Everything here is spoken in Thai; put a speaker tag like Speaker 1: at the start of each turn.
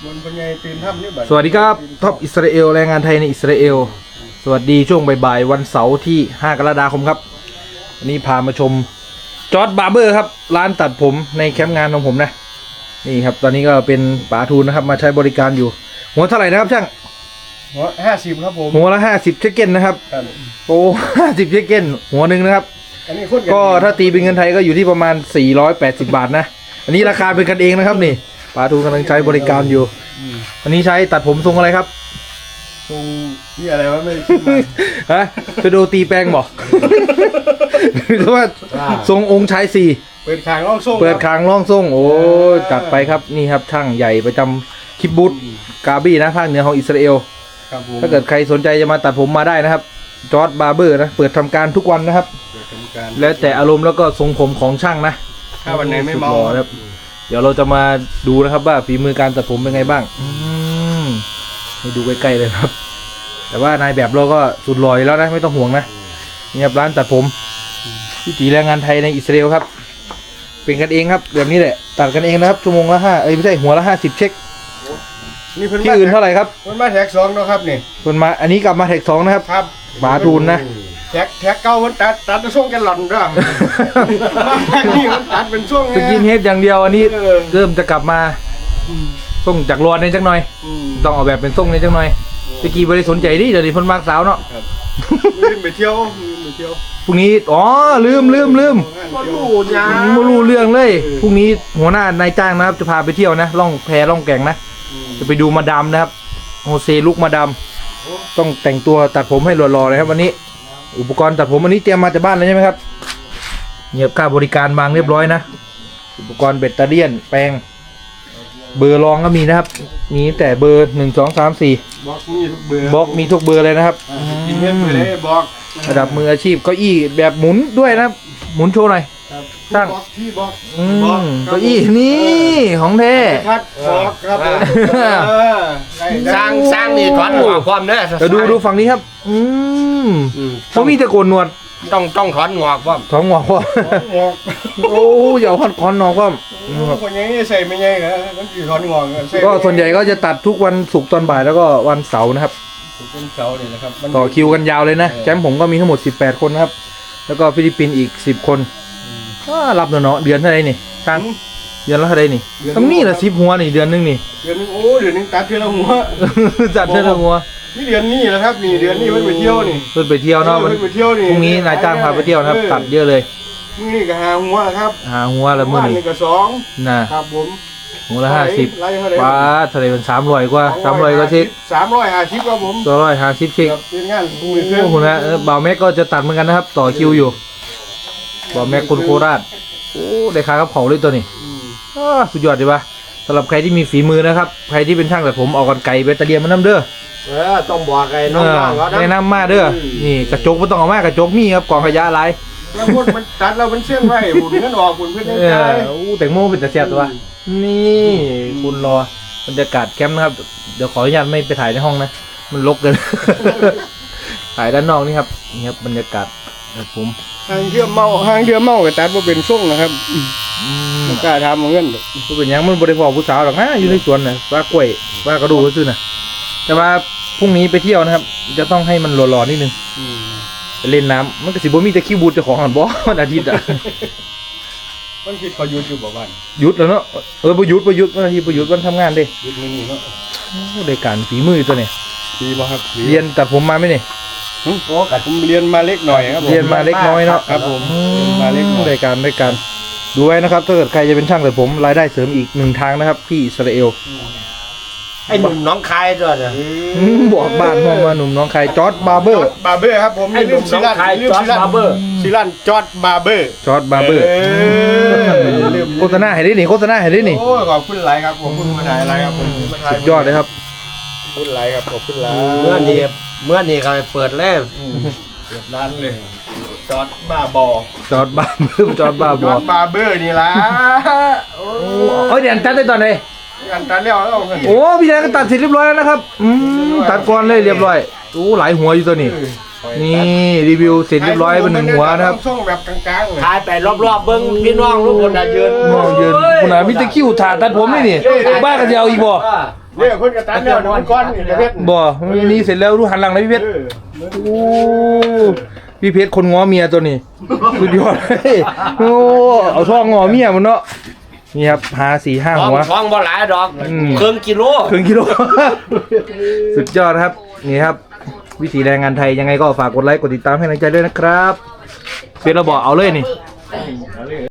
Speaker 1: สวัสดีครับท็อปอิสราเอลแรงงานไทยในอิสราเอลสวัสดีช่วงบ่ายๆวันเสาร์ที่5กรกฎาคมครับวันนี้พามาชมจอร์จบาร์เบอร์ครับร้านตัดผมในแคมป์งานของผมนะนี่ครับตอนนี้ก็เป็นป๋าทูนนะครับมาใช้บริการอยู่หัวเท่าไหร่นะครับช่าง
Speaker 2: หัว50ครับผม
Speaker 1: หัวละ50เชคเก้นนะครับโอ้50เชคเก้นหัวหนึ่งนะครับก็ถ้าตีเป็นเงินไทยก็อยู่ที่ประมาณ480 บาทนะอันนี้ราคาเป็นกันเองนะครับนี่ป๋าทูนกำลังใช้บริการอยู่อันนี้ใช้ตัดผมทรงอะไรครับ
Speaker 2: ทรงนี่อะไรวะไม่ได้คิดมา
Speaker 1: ฮะจะดูตีแปลงบอกหรือว่าทรงองค์ชายสี่
Speaker 2: เปิดคางล่องส่ง
Speaker 1: เปิดคางล่องส่งโอ้จัดไปครับนี่ครับช่างใหญ่ประจำคิบบุตกาบี้นะภาคเหนือของอิสราเอลถ้าเกิดใครสนใจจะมาตัดผมมาได้นะครับจอร์จบาร์เบอร์นะเปิดทำการทุกวันนะครับแล้วแต่อารมณ์แล้วก็ทรงผมของช่างนะ
Speaker 2: ถ้าวันไหนไม่เมา
Speaker 1: ครับเดี๋ยวเราจะมาดูนะครับว่าฝีมือการตัดผมเป็นไงบ้างให้ดูใกล้ๆเลยครับแต่ว่านายแบบเราก็สุดหล่อแล้วนะไม่ต้องห่วงนะนี่ครับร้านตัดผมวิถีแรงงานไทยในอิสราเอลครับเป็นกันเองครับแบบนี้แหละตัดกันเองนะครับชั่วโมงละ5ไม่ใช่หัวละ50เช็ค
Speaker 2: นี่เพิ่น
Speaker 1: ที่อื่นเท่าไหร่ครับ
Speaker 2: เพิ่นมาแท็ก2นะครับนี่
Speaker 1: เพิ่นมาอันนี้กลับมาแท็ก2นะครับ
Speaker 2: ครับ
Speaker 1: ป๋าทูนนะ
Speaker 2: แท็กเก่าเพิ่นตัดช่วงแกลลอนด้วยแท็กนี่มันตัดเป็นช่วง
Speaker 1: สกินเฮดอย่างเดียวอันนี้เริ่มจะกลับมาส่งจากรอนในจังหน่อยต้องออกแบบเป็นส่งในจังหน่อยตะกี้บริสนใจดิเดี๋ยวนี้เพิ่นมากสาวเนาะ
Speaker 2: ไปเที่ยว
Speaker 1: พรุ่งนี้อ๋อลืม
Speaker 2: มา
Speaker 1: รู้เรื่องเลยพรุ่งนี้หัวหน้านายจ้างนะครับจะพาไปเที่ยวนะล่องแพล่องแก่งนะจะไปดูมาดามนะครับโฮเซลุกมาดามต้องแต่งตัวตัดผมให้หล่อๆเลยครับวันนี้อุปกรณ์ตัดผมวันนี้เตรียมมาจากบ้านเลยใช่ไหมครับเงียบค่าบริการบางเรียบร้อยนะอุปกรณ์เบตเตอรี่แปรงเบอร์รองก็มีนะครับมีแต่เบอร์1 2 3 4
Speaker 2: บล็อก
Speaker 1: มีทุกเบอร์เลยนะครับ
Speaker 2: กินเงินไปเลยบล็อก
Speaker 1: ระดับมืออาชีพเก้าอี้แบบหมุนด้วยนะครับหมุนโชว์หน่อยตั้งเก้าอี้นี่ของแท้
Speaker 2: ทัดบล็อกครับ
Speaker 3: สร้างนี่ถอนหัวความเด้อ
Speaker 1: ดูฝั่งนี้ครับเขามีแต่โกนหนวด
Speaker 3: ต้องถอนหัวความ
Speaker 1: ถอนหัวความโอ้อย่าถอนหัวความ
Speaker 2: คนยังใส่ไม่ใหญ่เหรอต้องกี่ถอนหัว
Speaker 1: ก็ส่วนใหญ่ก็จะตัดทุกวันศุกร์ตอนบ่ายแล้วก็วันเสาร์นะครับ
Speaker 2: เป็นเสาเนี่ยนะครับ
Speaker 1: ต่อคิวกันยาวเลยนะแชมป์ผมก็มีทั้งหมด18คนนะครับแล้วก็ฟิลิปปินส์อีก10คนรับเนาะเดือนเท่าไรนี่ตั้งเดือนละเท่าไรนี่ต้องนี่ละ10หัวนี่เดือนนึงนี่
Speaker 2: เดือนนึงโอ้เดือนนึงตัดเท่าหัว
Speaker 1: จัดเท่าหัว
Speaker 2: นี่เดือนนี้แหละครับนี่เดือนนี้มันไปเที่ยวนี่
Speaker 1: เพิ่นไปเที่ยวเนาะมันพรุ่งนี้นายจ้างพาไปเที่ยวนะครับตัดเยอะเลย
Speaker 2: มื้อนี้ก็หาหัวครับ
Speaker 1: หาหัวละมื้อนี้
Speaker 2: ก็2
Speaker 1: นะครับ
Speaker 2: ผม
Speaker 1: หัวละ50ป้าทะเลเป็น300กว่า300กว่าเช็ค
Speaker 2: 350ครับผม
Speaker 1: 250เช็ค
Speaker 2: เป็นงาน
Speaker 1: โอ้โหนะบ่าวแม็กก็จะตัดเหมือนกันนะครับต่อคิวอยู่บ่าวแม็กคนโคราชโอ้ได้ค่ากับเขาเลยตัวนี้สุดยอดเลยปะสำหรับใครที่มีฝีมือนะครับใครที่เป็นช่างตัดผมเอากันไก่เบตเตอรี่มาน้ำเด้อ
Speaker 3: ต้องบอกไอ้น้องๆเขา
Speaker 1: แนะนำมาเด้อนี่กระจกไม่ต้องเอามากระจกมีครับกองขยะอะไร
Speaker 2: แล้วพวกมันตัดแล้วมันเส้นไว้หุ่นนั่นออกหุ่นเพื่อนได้ใจ
Speaker 1: แต่งโม่เป็นแต่เสียบตัวนี่คุณรอบรรยากาศแคมป์นะครับเดี๋ยวขออนุญาตไม่ไปถ่ายในห้องนะมันรกเกินถ่ายด้านนอกนี่ครับนี่ครับบรรยากาศผม
Speaker 2: ห้างเที่ยวเมากับตัดว่าเป็นส่งนะครับมันกล้าทำเหมือนกัน
Speaker 1: ก็เป็นยังมันบริพอผู้สาวหรอกนะอยู่ในสวนนะว่ากล้วยว่ากระดูกก็ซื้อนะแต่ว่าพรุ่งนี้ไปเที่ยวนะครับจะต้องให้มันหล่อๆนิดนึงไปเล่นน้ำมันก็สิบ่มีแต่คิวบูดเจ้าของหันบ่วันอาทิตย์อ่ะ
Speaker 2: วันอาทิตย์เขาหยุดอยู่บ่บ้าน
Speaker 1: หยุดแล้วเนาะประยุทธ์วันอาทิตย์ประยุทธ์วันทำงานดิ
Speaker 2: หยุดมื้อนี้เนาะ
Speaker 1: ได้การฝีมือตัวนี้
Speaker 2: ดีบ่ครับ
Speaker 1: เรียนตัดผมมาไหมนี่
Speaker 2: โอ้ผมเรียนมาเล็กหน่อยครับ
Speaker 1: เรียนมาเล็กน้อยเนาะ
Speaker 2: ครับผมมาเล็ก
Speaker 1: ได้การดูไว้นะครับถ้าเกิดใครจะเป็นช่างตัดผมรายได้เสริมอีก1ทางนะครับที่อิสราเอล
Speaker 3: ไอ้หนุ่มน้องคายด้วยนะ
Speaker 1: บอกบ้านห้องมาหนุ่มน้องคายจอร์จบาร์เบอร์
Speaker 2: ครับผม
Speaker 3: ไอ้หนุ่มน้องคายจอร์จบาร์เบอร์
Speaker 2: จอร์จบาร์เบอร์
Speaker 1: โฆษณาให้ได้นี่โฆษณาให้ได้นี่
Speaker 2: โอ้ขอบคุณหลายครับขอบคุณมาถ่ายอะไรครับผม
Speaker 1: สุดยอดเลยครับ
Speaker 2: ขอบคุณหลายครับขอบคุณหลาย
Speaker 3: เมื่อนี้เขาเปิดแล้ว
Speaker 2: เปิดร้านเลยจอร์จบาร์
Speaker 1: บาร์
Speaker 2: เบอร์นี่ล่ะ
Speaker 1: โอ้ยเดี๋ยวตัดได้ตอนไหน
Speaker 2: ตัดแล้ว
Speaker 1: โอ้พี่ชายก็ตัดเสร็จเรียบร้อยแล้วนะครับตัดก่อนเลยเรียบร้อยโอ้หลายหัวอยู่ตัวนี้นี่รีวิวเสร็จเรียบร้อยเป็น1หัวนะครับ
Speaker 2: ส่งแบบกลางๆเลย
Speaker 3: ถ่ายไปรอบๆเบิ้งพี่น้องทุกคนยืน
Speaker 1: คุณอามิตรคิวถ่าตัดผมนี่บ้ากันจะเอาอีกบ่
Speaker 2: เนี่ยคนกระตันเนี่ยน้ำก้อนนี่เพชร
Speaker 1: บ่นี่เสร็จแล้วดูหันหลังเลยพี่เพชรโอ้พี่เพชรคนง้อเมียตัวนี้สุดยอดเลยโอ้เอาช่องง้อเมียมันเนาะนี่ครับหา4-5 หัว
Speaker 3: ท้องบ่หลายดอก
Speaker 1: อืม
Speaker 3: ครึ่งกิโล
Speaker 1: ครึ่งกิโล สุดยอดครับนี่ครับวิถีแรงงานไทยยังไงก็ฝากกดไลค์กดติดตามให้กำลังใจด้วยนะครับเพชรเราบอกเอาเลยนี่